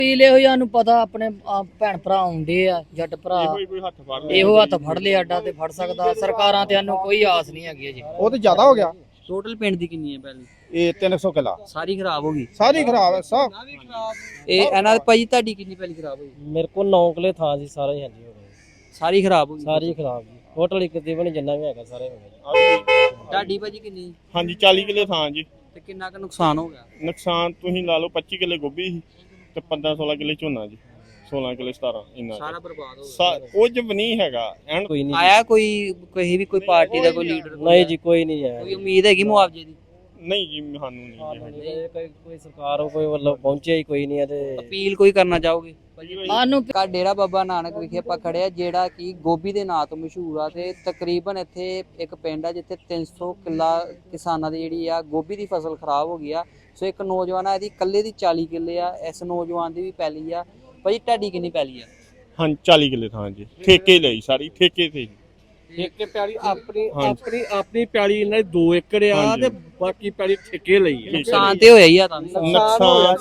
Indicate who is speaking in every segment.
Speaker 1: ਪੀਲੇ ਹੋਈ ਸਾਨੂੰ ਪਤਾ ਆਪਣੇ ਭੈਣ ਭਰਾ ਆਉਂਦੇ ਆ ਜੱਟ ਭਰਾ ਇਹੋ ਹੱਥ ਫੜ ਲਿਆ ਅੱਡਾ ਤੇ ਫੜ ਸਕਦਾ। ਸਰਕਾਰਾਂ ਤੇ ਸਾਨੂੰ ਕੋਈ ਆਸ ਨਹੀਂ ਹੈਗੀ ਜੀ।
Speaker 2: ਉਹ ਤੇ ਜ਼ਿਆਦਾ ਹੋ ਗਿਆ।
Speaker 3: ਟੋਟਲ ਪਿੰਡ ਦੀ ਕਿੰਨੀ ਹੈ ਪਹਿਲੀ?
Speaker 2: ਇਹ 300 ਕਿੱਲਾ
Speaker 3: ਸਾਰੀ ਖਰਾਬ ਹੋ ਗਈ।
Speaker 2: ਸਾਰੀ ਖਰਾਬ ਹੈ ਸਭ।
Speaker 3: ਇਹ ਇਹਨਾਂ ਭਾਜੀ ਤੁਹਾਡੀ ਕਿੰਨੀ ਪਹਿਲੀ ਖਰਾਬ ਹੋਈ?
Speaker 4: ਮੇਰੇ ਕੋਲ 9 ਕਿੱਲੇ ਥਾਂ ਸੀ ਸਾਰੇ ਹੀ ਹਾਂਜੀ ਹੋ ਗਏ।
Speaker 3: ਸਾਰੀ ਖਰਾਬ ਹੋ ਗਈ।
Speaker 4: ਸਾਰੀ ਖਰਾਬ ਜੀ। ਟੋਟਲ ਇੱਕ ਤਕਰੀਬਨ ਜਿੰਨਾ ਵੀ ਹੈਗਾ ਸਾਰੇ ਹੋ ਗਏ।
Speaker 3: ਤੁਹਾਡੀ ਭਾਜੀ ਕਿੰਨੀ?
Speaker 5: ਹਾਂਜੀ 40 ਕਿੱਲੇ ਥਾਂ ਜੀ।
Speaker 3: ਤੇ ਕਿੰਨਾ ਕੁ ਨੁਕਸਾਨ ਹੋ ਗਿਆ?
Speaker 5: ਨੁਕਸਾਨ ਤੁਸੀਂ ਲਾ ਲਓ 25 ਕਿੱਲੇ ਗੋਭੀ ਸੀ ਤੇ 15-16 ਕਿੱਲੇ ਝੋਨਾ ਜੀ। 16 ਕਿੱਲੇ 17 ਇੰਨਾ
Speaker 3: ਸਾਰਾ ਬਰਬਾਦ ਹੋ ਗਿਆ।
Speaker 5: ਕੁਝ ਵੀ ਨਹੀਂ ਹੈਗਾ।
Speaker 4: ਕੋਈ ਨਹੀਂ
Speaker 3: ਆਇਆ ਕੋਈ ਪਾਰਟੀ ਦਾ ਕੋਈ ਲੀਡਰ?
Speaker 4: ਨਹੀਂ ਜੀ ਕੋਈ ਨਹੀਂ ਆਇਆ।
Speaker 3: ਕੋਈ ਉਮੀਦ ਹੈਗੀ ਮੁਆਵਜ਼ੇ ਦੀ?
Speaker 5: ਨਹੀਂ ਜੀ ਸਾਨੂੰ ਨਹੀਂ ਜੀ।
Speaker 4: ਕੋਈ ਸਰਕਾਰ ਕੋਈ ਵੱਲੋਂ ਪਹੁੰਚਿਆ ਹੀ ਕੋਈ ਨਹੀਂ ਤੇ
Speaker 3: ਅਪੀਲ ਕੋਈ ਕਰਨਾ ਚਾਹੋਗੇ?
Speaker 1: ਸਾਨੂੰ
Speaker 3: ਕਾ ਡੇਰਾ ਬਾਬਾ ਨਾਨਕ ਵਿਖੇ ਆਪਾਂ ਖੜੇ ਆ, ਜਿਹੜਾ ਕਿ ਗੋਭੀ ਦੇ ਨਾਂ ਤੋਂ ਮਸ਼ਹੂਰ ਆ ਤੇ ਤਕਰੀਬਨ ਇੱਥੇ ਇੱਕ ਪਿੰਡ ਆ ਜਿੱਥੇ 300 ਕਿੱਲਾ ਕਿਸਾਨਾਂ ਦੀ ਜਿਹੜੀ ਆ ਗੋਭੀ ਦੀ ਫਸਲ ਖਰਾਬ ਹੋ ਗਈ ਆ। ਸੋ ਇੱਕ ਨੌਜਵਾਨ ਆ, ਇਹਦੀ ਇਕੱਲੇ ਦੀ 40 ਕਿੱਲੇ ਆ। ਇਸ ਨੌਜਵਾਨ ਦੀ ਵੀ ਪੈਲੀ ਆ। ਭਾਜੀ ਤੁਹਾਡੀ ਕਿੰਨੀ ਪੈਲੀ ਆ?
Speaker 5: ਹਾਂ 40 ਕਿੱਲੇ ਥਾਂ ਜੀ। ਠੇਕੇ ਲਈ ਸਾਰੀ ਠੇਕੇ ਤੇ
Speaker 6: ਠੇਕੇ ਪੈਲੀ ਆਪਣੀ ਪੈਲੀ ਇਹਨਾਂ ਦੀ 2 ਏਕੜ ਆ ਤੇ ਬਾਕੀ ਪੈਲੀ ਠੇਕੇ ਲਈ ਆ।
Speaker 3: ਨੁਕਸਾਨ ਤੇ ਹੋਇਆ ਹੀ ਆ ਤਾਂ ਵੀ।
Speaker 5: ਨੁਕਸਾਨ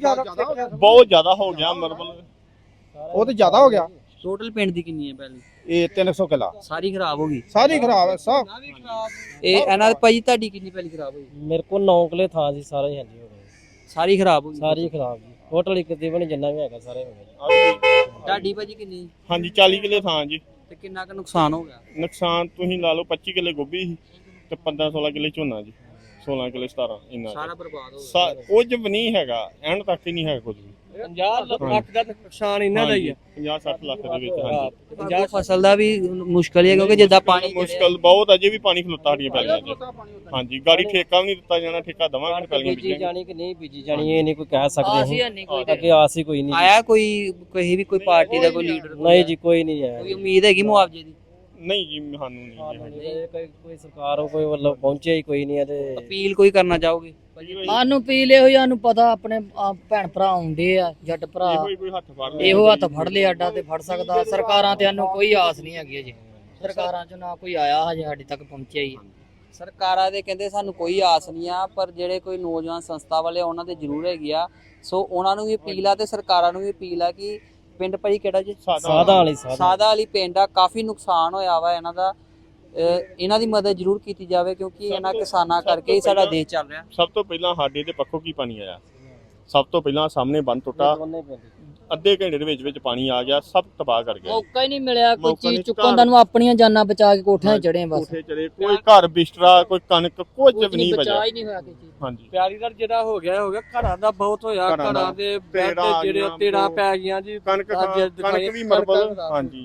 Speaker 5: ਬਹੁਤ ਜ਼ਿਆਦਾ ਹੋ ਗਿਆ। ਮਤਲਬ
Speaker 2: ਉਹ ਤੇ ਜ਼ਿਆਦਾ ਹੋ ਗਿਆ।
Speaker 3: ਟੋਟਲ ਪਿੰਡ ਦੀ ਕਿੰਨੀ ਹੈ ਪੈਲੀ?
Speaker 2: ਇਹ 300 ਕਿੱਲਾ
Speaker 3: ਸਾਰੀ ਖਰਾਬ ਹੋ ਗਈ।
Speaker 2: ਸਾਰੀ ਖਰਾਬ ਹੈ ਸਭ।
Speaker 3: ਇਹ ਇਹਨਾਂ ਭਾਜੀ ਤੁਹਾਡੀ ਕਿੰਨੀ ਪੈਲੀ ਖਰਾਬ ਹੋਈ?
Speaker 4: ਮੇਰੇ ਕੋਲ 9 ਕਿੱਲੇ ਥਾਂ ਸੀ ਸਾਰੇ ਹੀ ਹਾਂਜੀ ਹੋ ਗਏ।
Speaker 3: ਸਾਰੀ ਖਰਾਬ ਹੋ ਗਈ।
Speaker 4: ਸਾਰੀ ਖਰਾਬ ਜੀ। ਟੋਟਲ ਇੱਕ ਤਕਰੀਬਨ ਜਿੰਨਾ ਵੀ ਹੈਗਾ ਸਾਰੇ ਹੋ ਗਏ।
Speaker 3: ਤੁਹਾਡੀ ਭਾਜੀ ਕਿੰਨੀ?
Speaker 5: ਹਾਂਜੀ 40 ਕਿੱਲੇ ਥਾਂ ਜੀ।
Speaker 3: ਤੇ ਕਿੰਨਾ ਕੁ ਨੁਕਸਾਨ ਹੋ ਗਿਆ?
Speaker 5: ਨੁਕਸਾਨ ਤੁਸੀਂ ਲਾ ਲਓ 25 ਕਿੱਲੇ ਗੋਭੀ ਸੀ ਤੇ 15-16 ਕਿੱਲੇ ਝੋਨਾ ਜੀ। 16 ਕਿੱਲੇ 17 ਇੰਨਾ
Speaker 3: ਸਾਰਾ ਬਰਬਾਦ ਹੋ ਗਿਆ।
Speaker 5: ਕੁਝ ਵੀ ਨਹੀਂ ਹੈਗਾ। ਐਂਡ ਤੱਕ ਹੀ ਨਹੀਂ ਹੈ ਕੁਝ ਵੀ।
Speaker 6: 50 ਲੱਖ ਦਾ ਨੁਕਸਾਨ ਇਹਨਾਂ ਦਾ ਹੀ ਆ।
Speaker 5: 50-60 ਲੱਖ ਦੇ ਵਿੱਚ। ਹਾਂਜੀ
Speaker 3: ਪੰਜਾਬ ਫਸਲ ਦਾ ਵੀ ਮੁਸ਼ਕਲ ਹੀ ਹੈ ਕਿਉਂਕਿ ਜਿੱਦਾਂ ਪਾਣੀ
Speaker 5: ਮੁਸ਼ਕਲ ਬਹੁਤ ਅਜੇ ਵੀ ਪਾਣੀ ਖਲੋਤਾ ਸਾਡੀਆਂ ਪੈਲੀਆਂ 'ਚ। ਹਾਂਜੀ ਗਾੜੀ ਠੇਕਾ ਵੀ ਨਹੀਂ ਦਿੱਤਾ ਜਾਣਾ। ਠੇਕਾ ਦਵਾਂਗੇ ਪੈਲੀਆਂ
Speaker 4: ਬੀਜੀ ਜਾਣੀ ਕਿ ਨਹੀਂ ਬੀਜੀ ਜਾਣੀ ਇਹ ਨਹੀਂ ਕੋਈ ਕਹਿ ਸਕਦੇ
Speaker 1: ਅਸੀਂ
Speaker 4: ਅਸੀਂ।
Speaker 1: ਨਹੀਂ ਕੋਈ
Speaker 4: ਅੱਗੇ ਆਸ ਹੀ ਕੋਈ ਨਹੀਂ।
Speaker 3: ਆਇਆ ਕੋਈ ਪਾਰਟੀ ਦਾ ਕੋਈ ਲੀਡਰ?
Speaker 4: ਨਹੀਂ ਜੀ ਕੋਈ ਨਹੀਂ ਆਇਆ।
Speaker 3: ਕੋਈ ਉਮੀਦ ਹੈਗੀ ਮੁਆਵਜ਼ੇ ਦੀ?
Speaker 5: ਨਹੀਂ ਜੀ ਸਾਨੂੰ ਨਹੀਂ ਜੀ।
Speaker 4: ਕੋਈ ਸਰਕਾਰ ਕੋਈ ਵੱਲੋਂ ਪਹੁੰਚਿਆ ਹੀ ਕੋਈ ਨਹੀਂ ਤੇ
Speaker 3: ਅਪੀਲ ਕੋਈ ਕਰਨਾ ਚਾਹੋਗੇ?
Speaker 1: ਸਾਨੂੰ ਪੀਲੇ ਹੋਈ ਸਾਨੂੰ ਪਤਾ ਆਪਣੇ ਭੈਣ ਭਰਾ ਆਉਂਦੇ ਆ ਜੱਟ ਭਰਾ ਇਹੋ ਹੱਥ ਫੜ ਲਿਆ ਅੱਡਾ ਤੇ ਫੜ ਸਕਦਾ। ਸਰਕਾਰਾਂ ਤੇ ਸਾਨੂੰ ਕੋਈ ਆਸ ਨਹੀਂ ਹੈਗੀ ਜੀ। ਸਰਕਾਰਾਂ ਚੋਂ ਨਾ ਕੋਈ ਆਇਆ ਹਜੇ ਸਾਡੇ ਤੱਕ ਪਹੁੰਚਿਆ ਹੀ।
Speaker 3: ਸਰਕਾਰਾਂ ਦੇ ਕਹਿੰਦੇ ਸਾਨੂੰ ਕੋਈ ਆਸ ਨਹੀਂ ਆ, ਪਰ ਜਿਹੜੇ ਕੋਈ ਨੌਜਵਾਨ ਸੰਸਥਾ ਵਾਲੇ ਉਹਨਾਂ ਦੇ ਜ਼ਰੂਰ ਹੈਗੀ ਆ। ਸੋ ਉਹਨਾਂ ਨੂੰ ਵੀ ਅਪੀਲ ਆ ਤੇ ਸਰਕਾਰਾਂ ਨੂੰ ਵੀ ਅਪੀਲ ਆ ਕਿ ਪਿੰਡ ਭਾਈ ਕਿਹੜਾ ਜੀ? ਸਾਦਾ ਵਾਲੀ ਪਿੰਡ ਆ। ਕਾਫੀ ਨੁਕਸਾਨ ਹੋਇਆ ਵਾ ਇਹਨਾਂ ਦਾ। ਇਹਨਾਂ ਦੀ ਮਦਦ ਜ਼ਰੂਰ ਕੀਤੀ ਜਾਵੇ ਕਿਉਂਕਿ ਇਹਨਾਂ ਕਿਸਾਨਾਂ ਕਰਕੇ ਹੀ ਸਾਡਾ ਦੇਸ਼ ਚੱਲ ਰਿਹਾ।
Speaker 5: ਸਭ ਤੋਂ ਪਹਿਲਾਂ ਸਾਡੇ ਤੇ ਪੱਖੋਂ ਕੀ ਪਾਣੀ ਆਇਆ। ਸਭ ਤੋਂ ਪਹਿਲਾਂ ਸਾਹਮਣੇ ਬੰਨ ਟੁੱਟਾ। ਅੱਧੇ ਘੰਟੇ ਦੇ ਵਿੱਚ ਪਾਣੀ ਆ ਗਿਆ। ਸਭ ਤਬਾਹ ਕਰ ਗਿਆ।
Speaker 1: ਮੌਕਾ ਹੀ ਨਹੀਂ ਮਿਲਿਆ ਕੋਈ ਚੀਜ਼ ਚੁੱਕਣ ਦਾ ਨੂੰ। ਆਪਣੀਆਂ ਜਾਨਾਂ ਬਚਾ ਕੇ ਕੋਠਿਆਂ 'ਤੇ ਚੜੇ ਬਸ।
Speaker 5: ਕੋਈ ਘਰ ਬਿਸਤਰਾ ਕੋਈ ਕਣਕ ਕੁਝ ਵੀ ਨਹੀਂ ਬਚਿਆ।
Speaker 1: ਬਚਾ ਹੀ ਨਹੀਂ ਹੋਇਆ ਕਿਸੇ ਚੀਜ਼।
Speaker 5: ਹਾਂਜੀ
Speaker 6: ਪਿਆਰੀਦਾਰ ਜਿਹੜਾ ਹੋ ਗਿਆ ਘਰਾਂ ਦਾ ਬਹੁਤ ਹੋਇਆ। ਘਰਾਂ ਦੇ ਬੈੱਡ ਜਿਹੜੇ ਤੇੜਾ ਪੈ ਗਈਆਂ ਜੀ।
Speaker 5: ਕਣਕ ਵੀ ਮਰਬਲ। ਹਾਂਜੀ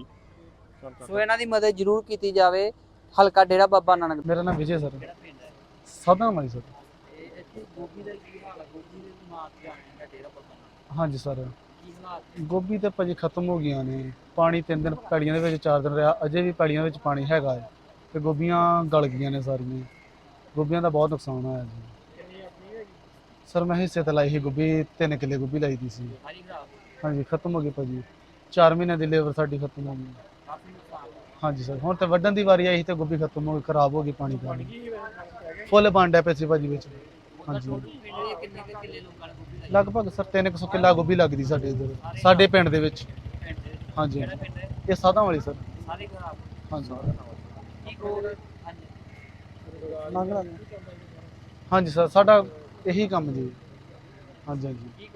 Speaker 3: ਸੋ ਇਹਨਾਂ ਦੀ ਮਦਦ ਜ਼ਰੂਰ ਕੀਤੀ ਜਾਵੇ। ਹਲਕਾ ਡੇਰਾ ਬਾਬਾ ਨਾਨਕ।
Speaker 7: ਮੇਰਾ ਨਾਮ ਵਿਜੇ ਸਰ। ਸਾਦਾ ਵਾਲੀ ਸਰ। ਹਾਂਜੀ ਸਰ ਗੋਭੀ ਤੇ ਭਾਜੀ ਖਤਮ ਹੋ ਗਈਆਂ ਨੇ। ਪਾਣੀ 3 ਦਿਨ ਪੈੜੀਆਂ ਦੇ ਵਿੱਚ 4 ਦਿਨ ਰਿਹਾ। ਅਜੇ ਵੀ ਪੈੜੀਆਂ ਵਿੱਚ ਪਾਣੀ ਹੈਗਾ ਹੈ ਤੇ ਗੋਭੀਆਂ ਗਲ ਗਈਆਂ ਨੇ ਸਾਰੀਆਂ। ਗੋਭੀਆਂ ਦਾ ਬਹੁਤ ਨੁਕਸਾਨ ਹੋਇਆ ਜੀ। ਸਰ ਮੈਂ ਹਿੱਸੇ ਤੇ ਲਾਈ ਸੀ ਗੋਭੀ। 3 ਕਿੱਲੇ ਗੋਭੀ ਲਾਈ ਦੀ ਸੀ। ਹਾਂਜੀ ਖਤਮ ਹੋ ਗਈ ਭਾਜੀ। 4 ਮਹੀਨੇ ਦੀ ਲੇਬਰ ਸਾਡੀ ਖਤਮ ਹੋ ਗਈ। ਹਾਂਜੀ ਸਰ ਹੁਣ ਤੇ ਵੱਢਣ ਦੀ ਵਾਰੀ ਆਈ ਸੀ ਤੇ ਗੋਭੀ ਖਤਮ ਹੋ ਗਈ। ਖਰਾਬ ਹੋ ਗਈ ਪਾਣੀ ਕਾਰਨ। ਫੁੱਲ ਪਾਂਡਾ ਪੈਸੇ ਭਾਜੀ ਵਿੱਚ। ਹਾਂਜੀ ਲਗਭਗ ਸਰ 300 ਕਿੱਲਾ ਗੋਭੀ ਲੱਗਦੀ ਸਾਡੇ ਇੱਧਰ ਸਾਡੇ ਪਿੰਡ ਦੇ ਵਿੱਚ। ਹਾਂਜੀ ਇਹ ਸਾਦਾ ਵਾਲੀ ਸਰ। ਹਾਂਜੀ ਹਾਂਜੀ ਸਰ ਸਾਡਾ ਇਹੀ ਕੰਮ ਜੀ। ਹਾਂਜੀ ਹਾਂਜੀ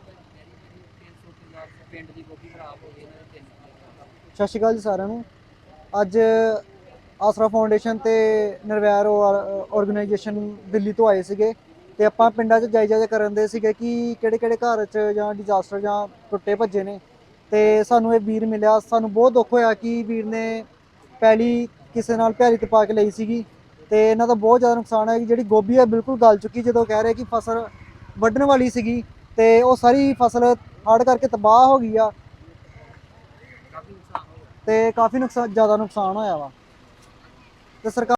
Speaker 8: ਸਤਿ ਸ਼੍ਰੀ ਅਕਾਲ ਜੀ ਸਾਰਿਆਂ ਨੂੰ। ਅੱਜ ਆਸਰਾ ਫਾਊਂਡੇਸ਼ਨ ਤੇ ਨਿਰਵੈਰ ਆਰਗੇਨਾਈਜੇਸ਼ਨ ਦਿੱਲੀ ਤੋਂ ਆਏ ਸੀਗੇ ਤੇ ਆਪਾਂ ਪਿੰਡਾਂ 'ਚ ਜਾਇਜ਼ਾ ਕਰਨ ਦੇ ਸੀਗੇ ਕਿ ਕਿਹੜੇ ਘਰ 'ਚ ਜਾਂ ਡਿਜ਼ਾਸਟਰ ਜਾਂ ਟੁੱਟੇ ਭੱਜੇ ਨੇ। ਤੇ ਸਾਨੂੰ ਇਹ ਵੀਰ ਮਿਲਿਆ। ਸਾਨੂੰ ਬਹੁਤ ਦੁੱਖ ਹੋਇਆ ਕਿ ਵੀਰ ਨੇ ਪੈਲੀ ਕਿਸੇ ਨਾਲ ਭੈੜੀ ਤੇ ਪਾ ਕੇ ਲਈ ਸੀਗੀ ਤੇ ਇਹਨਾਂ ਦਾ ਬਹੁਤ ਜ਼ਿਆਦਾ ਨੁਕਸਾਨ ਹੋਇਆ। ਜਿਹੜੀ ਗੋਭੀ ਹੈ ਬਿਲਕੁਲ ਗਲ ਚੁੱਕੀ। ਜਦੋਂ ਕਹਿ ਰਹੇ ਕਿ ਫਸਲ ਵੱਢਣ ਵਾਲੀ ਸੀਗੀ ਤੇ ਉਹ ਸਾਰੀ ਫਸਲ ਹੜ੍ਹ ਕਰਕੇ ਤਬਾਹ ਹੋ ਗਈ ਆ ਤੇ ਕਾਫੀ ਜ਼ਿਆਦਾ ਨੁਕਸਾਨ ਹੋਇਆ ਵਾ ਤੇ ਸਰਕਾਰ